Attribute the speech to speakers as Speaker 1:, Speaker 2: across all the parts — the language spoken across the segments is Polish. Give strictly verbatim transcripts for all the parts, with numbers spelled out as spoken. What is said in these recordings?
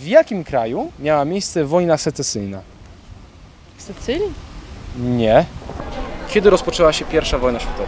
Speaker 1: W jakim kraju miała miejsce wojna secesyjna?
Speaker 2: W Sycylii?
Speaker 1: Nie. Kiedy rozpoczęła się pierwsza wojna światowa?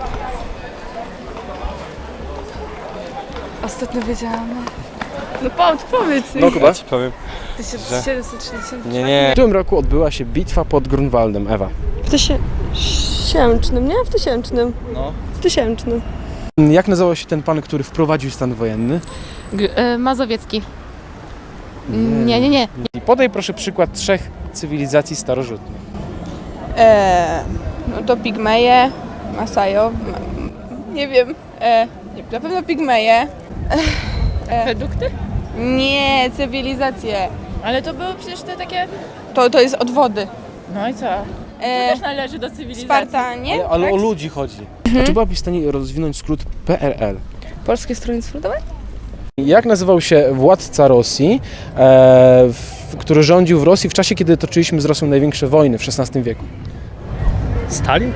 Speaker 2: Ostatnio wiedziałam. No powiedz, powiedz mi.
Speaker 1: No Kuba?
Speaker 3: Powiem.
Speaker 2: tysiąc siedemset sześćdziesiąt
Speaker 3: Nie, nie.
Speaker 1: W którym roku odbyła się bitwa pod Grunwaldem, Ewa?
Speaker 4: W tysięcznym, nie? W tysięcznym.
Speaker 3: No.
Speaker 4: W tysięcznym.
Speaker 1: Jak nazywał się ten pan, który wprowadził stan wojenny?
Speaker 5: G- e, Mazowiecki. Nie, nie, nie.
Speaker 1: I podaj proszę przykład trzech cywilizacji starożytnych.
Speaker 6: E, no to Pigmeje, Masajo, ma, nie wiem, e, nie, na pewno Pigmeje.
Speaker 5: Redukty?
Speaker 6: Nie, cywilizacje.
Speaker 5: Ale to były przecież te takie...
Speaker 6: To, to jest od wody.
Speaker 5: No i co? To
Speaker 6: E,
Speaker 5: też należy do cywilizacji.
Speaker 6: Spartanie?
Speaker 1: Ale, ale
Speaker 6: tak?
Speaker 1: o ludzi chodzi. Czy byłabyś w stanie rozwinąć skrót P R L?
Speaker 4: Polskie Stronnictwo Ludowe?
Speaker 1: Jak nazywał się władca Rosji, e, w, który rządził w Rosji w czasie, kiedy toczyliśmy z Rosją największe wojny w szesnastym wieku?
Speaker 3: Stalin?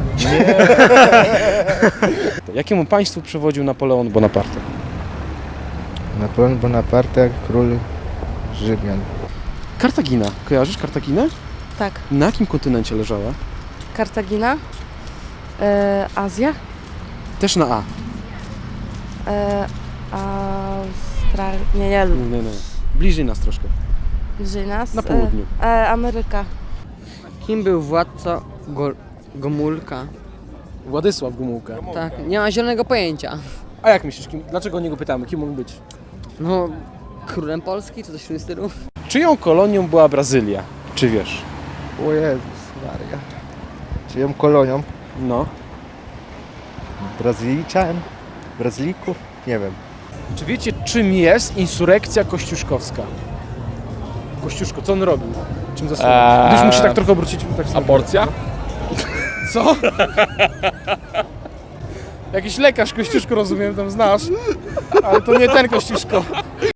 Speaker 1: Jakiemu państwu przewodził Napoleon Bonaparte?
Speaker 7: Napoleon Bonaparte, król Rzymian.
Speaker 1: Kartagina. Kojarzysz Kartaginę?
Speaker 4: Tak.
Speaker 1: Na jakim kontynencie leżała?
Speaker 4: Kartagina. E, Azja.
Speaker 1: Też na A.
Speaker 4: E, Australia. Nie, nie.
Speaker 1: Nie, nie. Bliżej nas troszkę.
Speaker 4: Bliżej nas.
Speaker 1: Na południu.
Speaker 4: E, e, Ameryka.
Speaker 8: Kim był władca Go Gomulka?
Speaker 1: Władysław Gomułka.
Speaker 8: Tak, nie ma zielonego pojęcia.
Speaker 1: A jak myślisz, kim, dlaczego o niego pytamy? Kim mógł być?
Speaker 8: No, królem Polski, czy coś w tym stylu?
Speaker 1: Czyją kolonią była Brazylia? Czy wiesz?
Speaker 7: O Jezus Maria. Czyją kolonią?
Speaker 1: No.
Speaker 7: Brazylijczan? Brazylijków? Nie wiem.
Speaker 1: Czy wiecie, czym jest insurekcja kościuszkowska? Kościuszko, co on robił? Czym zasługuje?
Speaker 3: Eee,
Speaker 1: Gdyż musi tak trochę obrócić. Tak sobie.
Speaker 3: Aborcja?
Speaker 1: Co? Jakiś lekarz Kościuszko, rozumiem, tam znasz. Ale to nie ten Kościuszko.